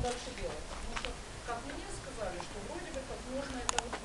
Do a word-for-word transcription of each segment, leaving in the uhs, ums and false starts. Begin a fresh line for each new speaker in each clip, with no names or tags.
дальше делать? Потому что, как мне сказали, что вроде бы как можно это вот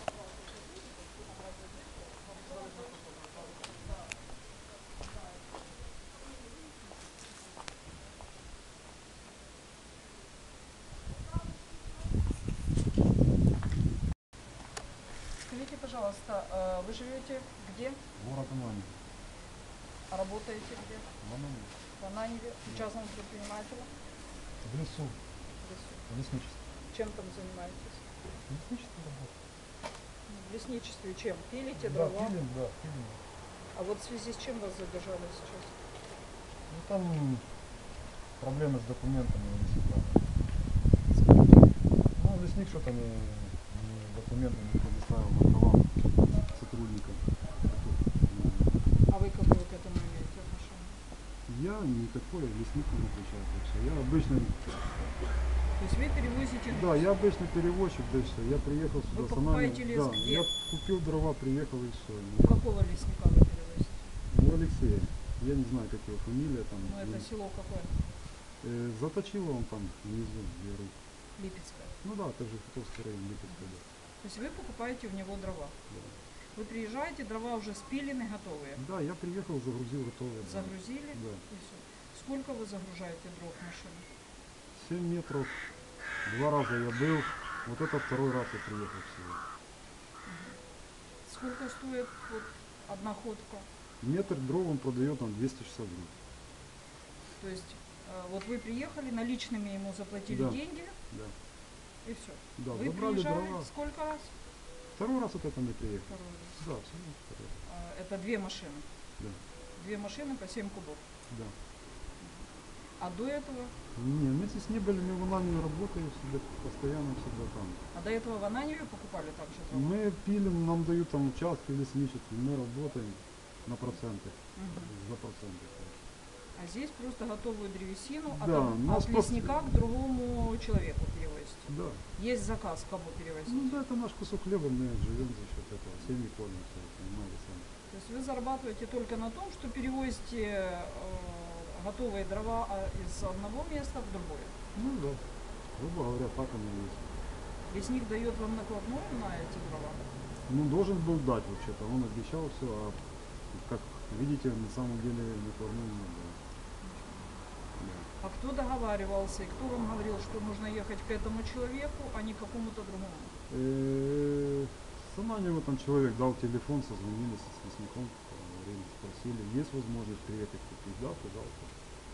Скажите, пожалуйста, вы живете где?
Город Ананьев.
А работаете где?
В Ананьеве.
В Ананьеве, в частном предпринимателе?
В лесу.
В лесу.
В лесничестве.
Чем там занимаетесь?
В лесничестве работаю.
В лесничестве чем? Пилите
Да,
дрова?
пилим, да, пилим.
А вот в связи с чем вас задержали сейчас?
Ну там проблемы с документами у лесника. Ну, лесник что-то не, не документы не предоставил на права сотрудникам.
А вы какое к этому имеете отношение?
Я никакой, лесник не отвечает вообще. Я обычный.
То есть вы перевозите лес?
Да, я обычный перевозчик, да и все. Я приехал сюда.
Вы покупаете лес
да,
где?
я купил дрова, приехал и все.
У какого лесника вы перевозите?
У Алексея. Я не знаю, как его фамилия там.
Ну это село какое?
Э, заточило он там внизу, Веру.
Липецкое.
Ну да, это же Футовский район, Липецкая, да.
То есть вы покупаете у него дрова?
Да.
Вы приезжаете, дрова уже спилены, готовые?
Да, я приехал, загрузил готовые.
Загрузили?
Да.
И все. Сколько вы загружаете дров в машину?
семь метров. Два раза я был. Вот это второй раз я приехал всего.
Сколько стоит вот одна ходка?
Метр дров он продает нам двести шестьдесят рублей.
То есть э, вот вы приехали, наличными ему заплатили
Да.
деньги,
Да.
и все.
Да,
Вы
забрали
приезжали
дрова.
сколько раз?
Второй раз вот это мы приехали.
Второй раз.
Да, абсолютно второй раз.
А, это две машины.
Да.
Две машины по семь кубов.
Да.
А до этого?
Не, мы здесь не были, мы в Ананьеве работаем всегда, постоянно всегда там.
А до этого в Ананьеве покупали также дрова?
Мы пилим, нам дают там участки в лесничестве, мы работаем на проценты,
Мгм.
за проценты.
А здесь просто готовую древесину
Да,
от,
нас
от
просто-
лесника к другому человеку перевозите.
Да.
Есть заказ, кому перевозить.
Ну да, это наш кусок хлеба, мы живем за счет этого, семьи кормимся, понимаете сами.
То есть вы зарабатываете только на том, что перевозите э, готовые дрова а, из одного места в другое.
Ну да, грубо говоря, так оно и есть.
Лесник дает вам накладную на эти дрова?
Ну должен был дать вообще-то, он обещал все, а как видите, на самом деле накладную не было. Да.
А кто договаривался и кто вам говорил, что нужно ехать к этому человеку, а не к какому-то другому?
Э, С Ананьева там человек дал телефон, созвонились с лесником, поговорили, спросили, есть возможность приехать купить, да, пожалуйста.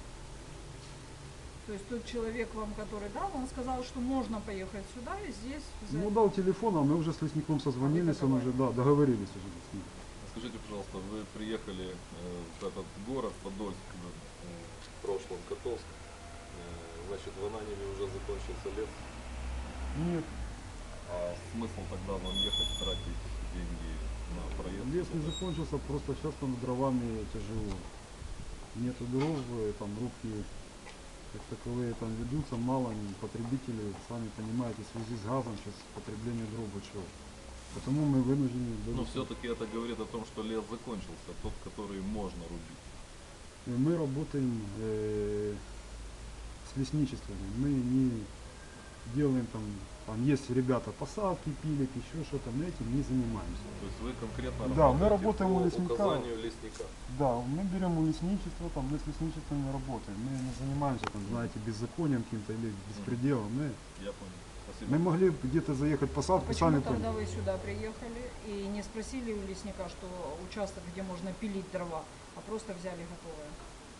То есть тот человек вам, который дал, он сказал, что можно поехать сюда и здесь взять.
Ну дал телефон, а мы уже с лесником созвонились, он уже, да, договорились уже с ним.
Скажите, пожалуйста, вы приехали э, в этот город Подольск, э, в прошлом Котовск, э, значит, в Ананьеве уже закончился лес,
Нет,
а смысл тогда вам ехать, тратить деньги на проезд?
лес не закончился, просто сейчас там дровами тяжело. Нету дров, э, там рубки как таковые там ведутся, мало потребителей, сами понимаете, в связи с газом сейчас потребление дров большое. Потому мы вынуждены были.
Но все-таки это говорит о том, что лес закончился, тот, который можно рубить.
И мы работаем э, с лесничествами, мы не делаем там, там есть ребята посадки, пилят, еще что-то, мы этим не занимаемся.
То есть вы конкретно
Да, мы
работаете
работаем
по
у лесника.
указанию лесника.
Да, мы берем у лесничества, там, мы с лесничествами работаем, мы не занимаемся там, знаете, беззаконием каким-то или беспределом. Мы,
Я понял. Спасибо.
мы могли где-то заехать в посадку,
Почему
сами
тогда
поняли.
вы сюда приехали и не спросили у лесника, что участок, где можно пилить дрова, а просто взяли готовое?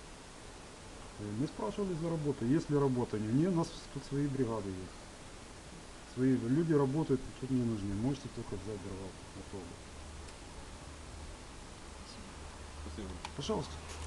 Мы спрашивали за работу, есть ли работа. Не, у нас тут свои бригады есть. Свои люди работают, тут не нужны. Можете только взять дрова готовые.
Спасибо.
Пожалуйста.